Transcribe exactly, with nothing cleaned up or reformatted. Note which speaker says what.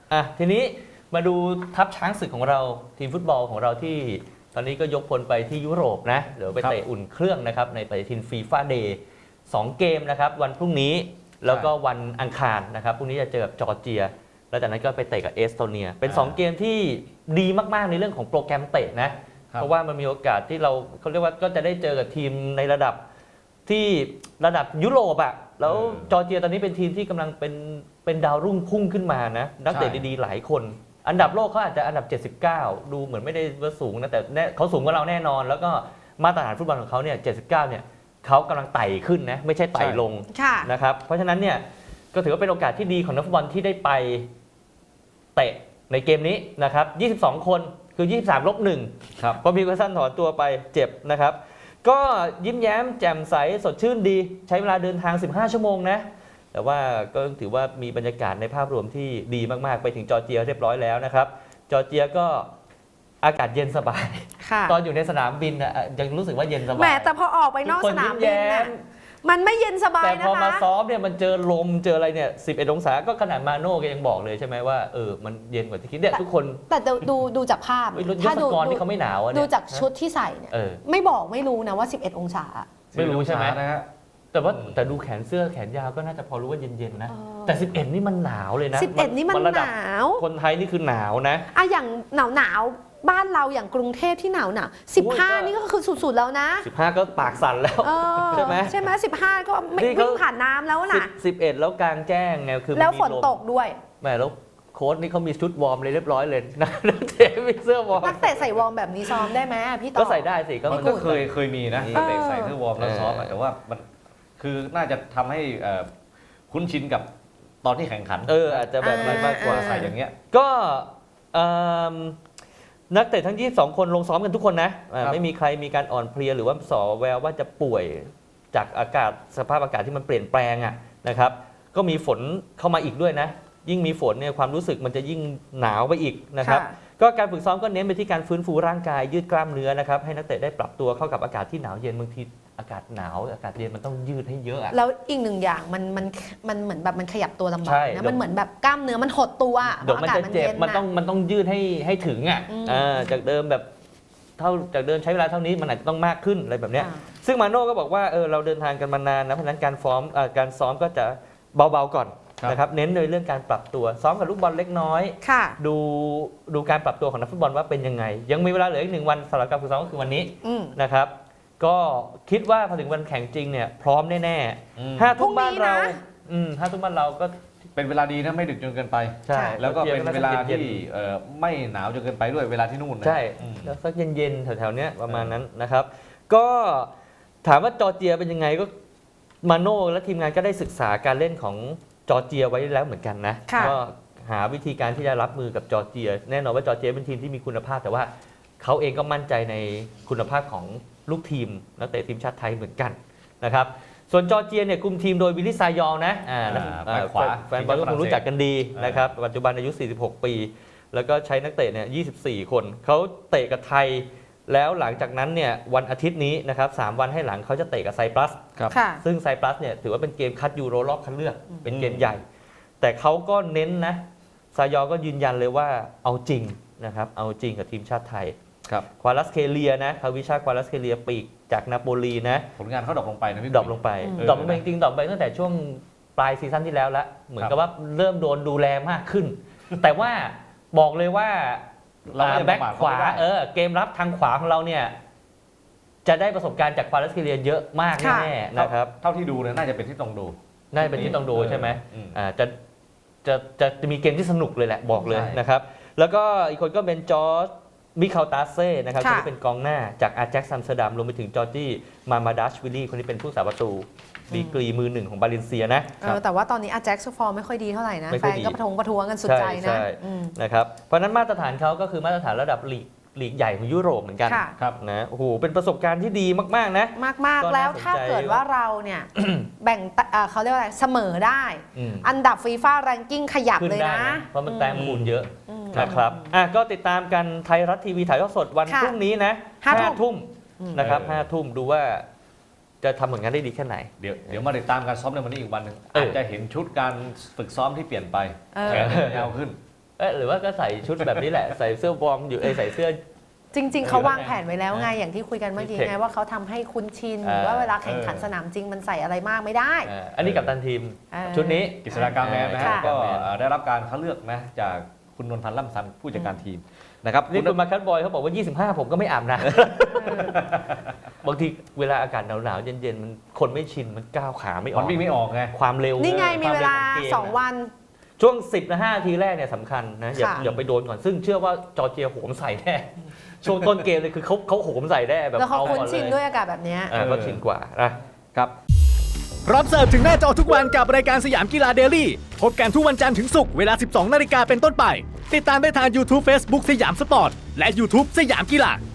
Speaker 1: อ่ะทีนี้มาดูทัพช้างศึกของเราทีมฟุตบอลของเราที่ตอนนี้ก็ยกพลไปที่ยุโรปนะเดี๋ยวไปเตะอุ่นเครื่องนะครับในปฏิทินฟีฟ่าเดย์สองเกมนะครับวันพรุ่งนี้แล้วก็วันอังคารนะครับพรุ่งนี้จะเจอกับจอร์เจียแล้วจากนั้นก็ไปเตะกับเอสโตเนียเป็นสองเกมที่ดีมากๆในเรื่องของโปรแกรมเตะนะเพราะว่ามันมีโอกาสที่เราเขาเรียกว่าก็จะได้เจอกับทีมในระดับที่ระดับยุโรปอะแล้วจอร์เจียตอนนี้เป็นทีมที่กำลังเป็นเป็นดาวรุ่งพุ่งขึ้นมานะนักเตะดีๆหลายคนอันดับโลกเขาอาจจะอันดับเจ็ดสิบเก้าดูเหมือนไม่ได้ว่าสูงนะแต่เขาสูงกว่าเราแน่นอนแล้วก็มาตรฐานฟุตบอลของเขาเนี่ยเจ็ดสิบเก้าเนี่ยเขากำลังไต่ขึ้นนะไม่ใช่ไต่ลงนะครับเพราะฉะนั้นเนี่ยก็ถือว่าเป็นโอกาสที่ดีของนักฟุตบอลที่ได้ไปเตะในเกมนี้นะครับยี่สิบสองคนคือยี่สิบสามลบหนึ่งครับพอพีเกอร์สันถอนตัวไปเจ็บนะครับก็ยิ้มแย้มแจ่มใสสดชื่นดีใช้เวลาเดินทางสิบห้าชั่วโมงนะแต่ว่าก็ถือว่ามีบรรยากาศในภาพรวมที่ดีมากๆไปถึงจอร์เจียเรียบร้อยแล้วนะครับจอร์เจียก็อากาศเย็นสบายตอนอยู่ในสนามบินอ่ะยังรู้สึกว่าเย็นสบาย
Speaker 2: แหมแต่พอออกไปนอกสนามบินน่ะมันไม่เย็นสบายนะคะแต่
Speaker 1: พอมาซ้อมเนี่ยมันเจอลมเจออะไรเนี่ยสิบเอ็ดองศาก็ขนาดมาโน่ก็ยังบอกเลยใช่ไหมว่าเออมันเย็นกว่าที่คิดเนี่ยทุกคน
Speaker 2: แต่ดูดูจากภาพ
Speaker 1: ถ้าดูนี่เขาไม่หนาว
Speaker 2: ดูจากชุดที่ใส่เนี่ยไม่บอกไม่รู้นะว่าสิบเอ็ดองศา
Speaker 1: ไม่รู้ใช่ไหมนะฮะแต่ว่าแต่ดูแขนเสื้อแขนยาวก็น่าจะพอรู้ว่าเย็นๆนะแต่สิบเอ็ดนี่มันหนาวเลยนะ
Speaker 2: สิบเอ็ดนี่มันหนาว
Speaker 1: คนไทยนี่คือหนาวนะ
Speaker 2: อ่ะอย่างหนาวหนาวบ้านเราอย่างกรุงเทพที่หนาวหนาวสิบห้านี่ก็คือสุดๆแล้วนะ
Speaker 1: สิบห้าก็ปากสั่นแล้วใช่ไหม
Speaker 2: ใช่ไหมสิบห้าก็ไม่วิ่งผ่านน้ำแล้วนะ
Speaker 1: สิบเอ็ดแล้วกลางแจ้งไงคือ
Speaker 2: แล้วฝนตกด้วย
Speaker 1: แม่แล้วโค้ชนี่เขามีชุดวอร์มเลยเรียบร้อยเลยนะนักเตะมีเสื้อวอร์ม
Speaker 2: นักเตะใส่วอร์มแบบนี้ซ้อมได้ไหมพี่ต่อ
Speaker 1: ก็ใส่ได้สิ
Speaker 3: ก็มันก็เคยเคยมีนะนักเตะใส่เสื้อวอร์มแล้วซ้อมแต่ว่ามันคือน่าจะทำให้คุ้นชินกับตอนที่แข่งขัน
Speaker 1: เอออาจจะแบบ
Speaker 3: มากกว่าใส่อย่างเงี้ย
Speaker 1: ก็นักเตะทั้งยี่สิบสองคนลงซ้อมกันทุกคนนะไม่มีใครมีการอ่อนเพลียหรือว่าส่อแววว่าจะป่วยจากอากาศสภาพอากาศที่มันเปลี่ยนแปลงอ่ะนะครับก็มีฝนเข้ามาอีกด้วยนะยิ่งมีฝนเนี่ยความรู้สึกมันจะยิ่งหนาวไปอีกนะครับก็การฝึกซ้อมก็เน้นไปที่การฟื้นฟูร่างกายยืดกล้ามเนื้อนะครับให้นักเตะได้ปรับตัวเข้ากับอากาศที่หนาวเย็นบางทีอากาศหนาวอากาศเย็นมันต้องยืดให้เยอะ
Speaker 2: แล้วอีกหนึ่งอย่างมันมันมันเหมือนแบบมันขยับตัวลำบากนะมันเหมือนแบบกล้ามเนื้อมันหดตัว
Speaker 1: เดี๋ยวมันจะเจ็บมันต้องมันต้องยืดให้ให้ถึงอ่ะจากเดิมแบบเท่าจากเดิมใช้เวลาเท่านี้มันอาจจะต้องมากขึ้นอะไรแบบเนี้ยซึ่งมาโน่ก็บอกว่าเออเราเดินทางกันมานานนะเพราะฉะนั้นการซ้อมการซ้อมก็จะเบาๆก่อนนะครับเน้นในเรื่องการปรับตัวซ้อมกับลูกบอลเล็กน้อยดูดูการปรับตัวของนักฟุตบอลว่าเป็นยังไงยังมีเวลาเหลืออีกหนึ่งวันสำหรับการฝึกซ้อมก็คือวันนี้นะครับก็คิดว่าพอถึงวันแข่งจริงเนี่ยพร้อมแน่ๆห้าทุ่มบ้านเราห้าทุ่มบ้านเราก็
Speaker 3: เป็นเวลาดีนะไม่ดึกจนเกินไปใช่แล้วก็เป็นเวลาที่ไม่หนาวจนเกินไปด้วยเวลาที่นู่น
Speaker 1: ใช่แล้วสักเย็นๆแถวๆนี้ประมาณนั้นนะครับก็ถามว่าจอร์เจียเป็นยังไงก็มาโน่และทีมงานก็ได้ศึกษาการเล่นของจอร์เจียไว้แล้วเหมือนกันนะก็หาวิธีการที่จะรับมือกับจอร์เจียแน่นอนว่าจอร์เจียเป็นทีมที่มีคุณภาพแต่ว่าเขาเองก็มั่นใจในคุณภาพของลูกทีมนักเตะทีมชาติไทยเหมือนกันนะครับส่วนจอร์เจียเนี่ยคุมทีมโดยวิลลี่ซายองนะแฟนบอลก็คงรู้จักกันดีนะครับปัจจุบันอายุสี่สิบหกปีแล้วก็ใช้นักเตะเนี่ยยี่สิบสี่คนเขาเตะกับไทยแล้วหลังจากนั้นเนี่ยวันอาทิตย์นี้นะครับสามวันให้หลังเขาจะเตะกับไซปรัสซึ่งไซปรัสเนี่ยถือว่าเป็นเกมคัดยูโรรอบคัดเลือกเป็นเกมใหญ่แต่เขาก็เน้นนะซายอก็ยืนยันเลยว่าเอาจริงนะครับเอาจริงกับทีมชาติไทยควาลัสเคเลียนะคาวิชาควาลัสเคเลียปีกจากนาโปลีนะ
Speaker 3: ผลงานเขาดรอปลงไปนะพี่
Speaker 1: ดรอปลงไปดรอปลงไปจริงๆดรอปไปตั้งแต่ช่วงปลายซีซั่นที่แล้วละเหมือนกับว่าเริ่มโดนดูแลมากขึ้นแต่ว่าบอกเลยว่าแบ็คขวาเออเกมรับทางขวาของเราเนี่ยจะได้ประสบการณ์จากควาลัสเคเลียเยอะมากแน่ๆนะครับ
Speaker 3: เท่าที่ดูเนี่ยน่าจะเป็นที่ต้องดู
Speaker 1: น่าจะเป็นที่ต้องดูใช่ไหมอ่าจะจะจะจะมีเกมที่สนุกเลยแหละบอกเลยนะครับแล้วก็อีกคนก็เป็นจอร์จมิคาลตาเซ่นะครับคนนี้เป็นกองหน้าจากอาแจ็คซัมสเตอร์ดัมรวมไปถึงจอร์จี้มามาดัชวิลลี่คนนี้เป็นผู้สาประตูดีกรีมือหนึ่งของบาเลนเซียนะ
Speaker 2: แต่ว่าตอนนี้อาแจ็คฟอร์มไม่ค่อยดีเท่าไหร่นะแฟนก็ประท้วงประท้วงกันสุดใจนะ
Speaker 1: นะครับเพราะนั้นมาตรฐานเขาก็คือมาตรฐานระดับลีกลีกใหญ่ของยุโรปเหมือนกันครับนะโอ้โหเป็นประสบการณ์ที่ดีมากๆนะ
Speaker 2: มากๆแล้วถ้าเกิดว่าเราเนี่ยแบ่งเขาเรียกว่าอะไรเสมอได้อันดับฟีฟ่าแรงกิ้งขยับเลยนะ
Speaker 1: เพราะมันแต้มคูณเยอะนะครับอ่ะก็ติดตามกันไทยรัฐทีวีถ่ายทอดสดวันพรุ่งนี้นะห้าทุ่มนะครับห้าทุ่มดูว่าจะทำผลงานได้ดีแค่ไหน
Speaker 3: เดี๋ยวเดี๋ยวมาติดตามการซ้อมในวันนี้อีกวันหนึ่งอาจจะเห็นชุดการฝึกซ้อมที่เปลี่ยนไปแขนยาวขึ้น
Speaker 1: เอ้ยหรือว่าก็ใส่ชุดแบบนี้แหละ ใส่เสื้อวอร์มอยู่เอยใส่เสื้อ
Speaker 2: จริง ๆเขาวางแผนไว้แล้วไงอย่างที่คุยกันเมื่อกี้
Speaker 1: มีเทค
Speaker 2: ไงว่าเขาทำให้คุ้นชิน
Speaker 1: เออ
Speaker 2: ว่าเวลาแข่งขันสนามจริงมันใส่อะไรมากไม่ได้
Speaker 1: อ่าอันนี้กัปตันทีม
Speaker 2: เออ
Speaker 1: ชุดนี้
Speaker 3: กฤษฎากาแมนนะฮะ
Speaker 2: ค่ะ
Speaker 3: ก็เอ่อได้รับการคัดเลือกนะจากคุณนนพันธ์ล่ำซันผู้จัดการทีมนะครับ
Speaker 1: นี่คุณมาคัทบอยเขาบอกว่า ยี่สิบห้า ผมก็ไม่อาบนะ บางทีเวลาอากาศหนาวๆ เย็นๆ มันคนไม่ชิน มันก้าวขาไม่อ
Speaker 3: มั
Speaker 1: อน ก
Speaker 3: วิ่งไม่ออกไง
Speaker 1: ความเร็ว
Speaker 2: นี่ไงมี
Speaker 1: ค
Speaker 2: เว
Speaker 1: ร็
Speaker 2: ลา
Speaker 1: ขกม
Speaker 2: สองวัน
Speaker 1: ช่วง สิบนาทีแรกเนี่ยสำคัญนะ อย่า
Speaker 2: ค่ะ
Speaker 1: อย่าไปโดนก่อน ซึ่งเชื่อว่าจอร์เจียโหมใส่แน่ ช่วงต้นเกมเลยคือเขาเขาโหมใส่แน่แบบ
Speaker 2: แล้วเขา
Speaker 1: เอา
Speaker 2: คุ้น
Speaker 1: ก่อนเล
Speaker 2: ชิน
Speaker 1: ย
Speaker 2: ด้วยอากาศแบบเนี้ย
Speaker 1: อ่าเขาชินกว่านะ
Speaker 3: ครับ
Speaker 4: พร้อมเสิร์ฟถึงหน้าจอทุกวันกับรายการสยามกีฬาเดลี่พบกันทุกวันจันทร์ถึงศุกร์เวลา สิบสองนาฬิกาเป็นต้นไป ติดตามได้ทาง YouTube Facebook สยามสปอร์ต และ YouTube สยามกีฬา